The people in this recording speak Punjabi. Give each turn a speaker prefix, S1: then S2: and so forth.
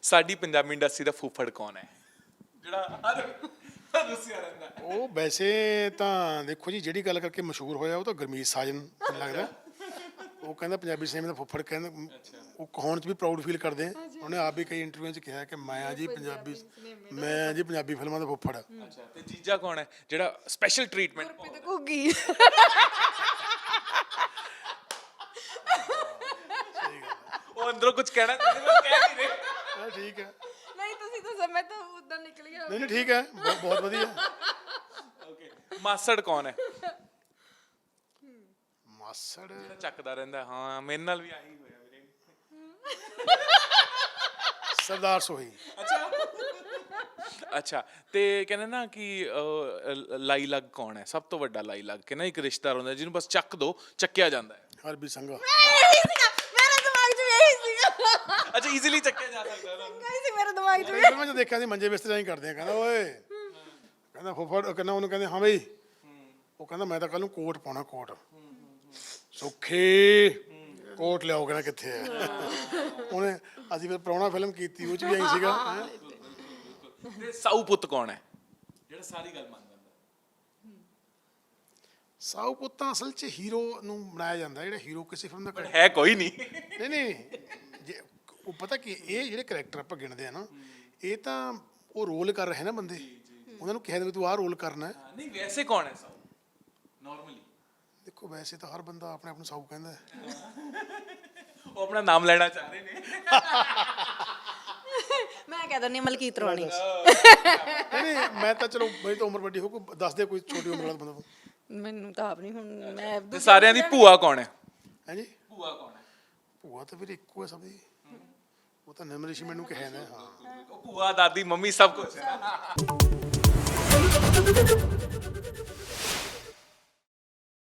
S1: ਸਾਡੀ ਪੰਜਾਬੀ ਇੰਡਸਟਰੀ ਦਾ ਫੁੱਫੜ ਕੌਣ ਹੈ ਜਿਹੜਾ ਦੱਸਿਆ ਰਹਿੰਦਾ?
S2: ਉਹ ਵੈਸੇ ਤਾਂ ਦੇਖੋ ਜੀ, ਜਿਹੜੀ ਗੱਲ ਕਰਕੇ ਮਸ਼ਹੂਰ ਹੋਇਆ ਉਹ ਤਾਂ ਗੁਰਮੀਤ ਸਾਜਨ ਮੈਨੂੰ ਲੱਗਦਾ। ਉਹ ਕਹਿੰਦਾ ਪੰਜਾਬੀ ਸਿਨੇਮੇ ਦਾ ਫੁੱਫੜ, ਕਹਿੰਦਾ ਉਹ ਕਹਾਉਣ 'ਚ ਵੀ ਪ੍ਰਾਊਡ ਫੀਲ ਕਰਦੇ ਆ। ਉਹਨੇ ਆਪ ਵੀ ਕਈ ਇੰਟਰਵਿਊ 'ਚ ਕਿਹਾ ਕਿ ਮੈਂ ਜੀ ਪੰਜਾਬੀ ਫਿਲਮਾਂ ਦਾ ਫੁੱਫੜ।
S1: ਅੱਛਾ, ਤੇ ਜੀਜਾ ਕੌਣ ਹੈ ਜਿਹੜਾ ਸਪੈਸ਼ਲ ਟ੍ਰੀਟਮੈਂਟ?
S3: ਘੁੱਗੀ।
S1: ਉਹ ਅੰਦਰੋਂ ਕੁਝ ਕਹਿਣਾ ਚਾਹੁੰਦੇ ਪਰ ਕਹਿ ਨਹੀਂ ਰਹੇ।
S2: ਠੀਕ ਹੈ,
S3: ਨਹੀਂ ਤੁਸੀਂ ਦੱਸੋ, ਮੈਂ ਤਾਂ ਉਦਾਂ ਨਿਕਲ ਗਿਆ।
S2: ਨਹੀਂ ਠੀਕ ਹੈ, ਬਹੁਤ ਵਧੀਆ।
S1: ਓਕੇ, ਮਾਸੜ ਕੌਣ ਹੈ?
S2: ਮਾਸੜ
S1: ਚੱਕਦਾ ਰਹਿੰਦਾ। ਹਾਂ, ਮੇਰੇ ਨਾਲ ਵੀ ਆਹੀ ਹੋਇਆ ਵੀਰੇ।
S2: ਸਰਦਾਰ ਸੋਹੀ।
S1: ਅੱਛਾ, ਤੇ ਕਹਿੰਦੇ ਨਾ ਕਿ ਲਾਈ ਲੱਗ ਕੌਣ ਹੈ? ਸਭ ਤੋਂ ਵੱਡਾ ਲਾਈ ਲੱਗ ਕੇ ਨਾ ਇੱਕ ਰਿਸ਼ਤੇਦਾਰ ਹੁੰਦਾ ਜਿਹਨੂੰ ਬਸ ਚੱਕ ਦੋ, ਚੱਕਿਆ ਜਾਂਦਾ ਹੈ।
S2: ਹਰਬੀ ਸੰਘਾ।
S3: ਮੇਰੇ ਦਿਮਾਗ 'ਚ ਇਹੀ ਸੀਗਾ।
S1: ਅੱਛਾ, ਈਜ਼ੀਲੀ ਚੱਕਿਆ ਜਾ ਸਕਦਾ ਹੈ।
S3: ਕਹੀ ਸੀ ਮੇਰੇ ਦਿਮਾਗ 'ਚ।
S2: ਮੈਂ ਤਾਂ ਦੇਖਿਆ ਸੀ ਮੰਜੇ ਬਿਸਤਰੇ ਹੀ ਕਰਦੇ ਆ। ਕਹਿੰਦਾ ਓਏ, ਕਹਿੰਦਾ ਫੁੱਫੜ, ਕਹਿੰਦਾ ਉਹਨੂੰ ਕਹਿੰਦੇ ਹਾਂ ਬਈ, ਉਹ ਕਹਿੰਦਾ ਮੈਂ ਤਾਂ ਕੱਲ ਨੂੰ ਕੋਟ ਪਾਉਣਾ। ਕੋਟ ਸੁੱਖੀ ਕੋਟ ਲਿਆਓ, ਕਹਿੰਦਾ ਕਿੱਥੇ ਹੈ? ਉਹਨੇ ਅਸੀਂ ਫਿਰ ਪ੍ਰਾਹੁਣਾ ਫਿਲਮ ਕੀਤੀ, ਉਹ 'ਚ ਵੀ ਆਈ ਸੀਗਾ।
S1: ਤੇ ਸਾਊ ਪੁੱਤ ਕੌਣ ਹੈ ਜਿਹੜਾ ਸਾਰੀ ਗੱਲ ਮੰਨ ਜਾਂਦਾ?
S2: ਸਾਊ ਪੁੱਤਾਂ ਅਸਲ 'ਚ ਹੀਰੋ ਨੂੰ ਬਣਾਇਆ ਜਾਂਦਾ, ਜਿਹੜਾ ਹੀਰੋ ਕਿਸੇ ਫਿਲਮ ਦਾ
S1: ਹੈ ਕੋਈ ਨਹੀਂ।
S2: ਨਹੀਂ ਜੇ ਉਹ ਪਤਾ ਕਿ ਇਹ ਜਿਹੜੇ ਕਰੈਕਟਰ ਆਪਾਂ ਗਿਣਦੇ ਆ ਨਾ, ਇਹ ਤਾਂ ਉਹ ਰੋਲ ਕਰ ਰਹੇ ਨਾ ਬੰਦੇ, ਉਹਨਾਂ ਨੂੰ ਕਿਹਾ ਤੂੰ ਆਹ ਰੋਲ ਕਰਨਾ ਹੈ।
S1: ਨਹੀਂ, ਵੈਸੇ ਕੌਣ ਹੈ ਸਾਊ ਨਾਰਮਲੀ?
S2: ਦੇਖੋ ਵੈਸੇ ਤਾਂ ਹਰ ਬੰਦਾ ਆਪਣੇ ਆਪ ਨੂੰ ਸਾਊ ਕਹਿੰਦਾ ਹੈ।
S1: ਉਹ ਆਪਣਾ ਨਾਮ ਲੈਣਾ ਚਾਹ ਰਹੇ ਨੇ।
S3: ਮੈਂ ਕਹਿ ਦਿੰਦੀ ਮਲਕੀਤ ਰੋਣੀ।
S2: ਨਹੀਂ ਮੈਂ ਤਾਂ ਚਲੋ, ਮੇਰੀ ਤਾਂ ਉਮਰ ਵੱਡੀ ਹੋ, ਕੋਈ ਦੱਸ ਦੇ ਕੋਈ ਛੋਟੀ ਉਮਰ ਵਾਲਾ ਬੰਦਾ।
S3: ਮੈਨੂੰ ਤਾਂ ਆਪ ਨਹੀਂ ਹੁਣ। ਮੈਂ
S1: ਤੇ ਸਾਰਿਆਂ ਦੀ ਭੂਆ ਕੌਣ ਹੈ?
S2: ਹੈ ਜੀ,
S1: ਭੂਆ ਕੌਣ ਹੈ?
S2: ਭੂਆ ਤਾਂ ਫਿਰ ਇੱਕੋ ਹੈ ਸਭ ਦੀ। ਉਹ ਤਾਂ ਨਿੰਮ ਰਿਸ਼ੀ ਮੈਨੂੰ ਕਿਹਾ ਨਾ। ਹਾਂ,
S1: ਉਹ ਭੂਆ, ਦਾਦੀ, ਮੰਮੀ ਸਭ ਕੁਝ ਹੈ।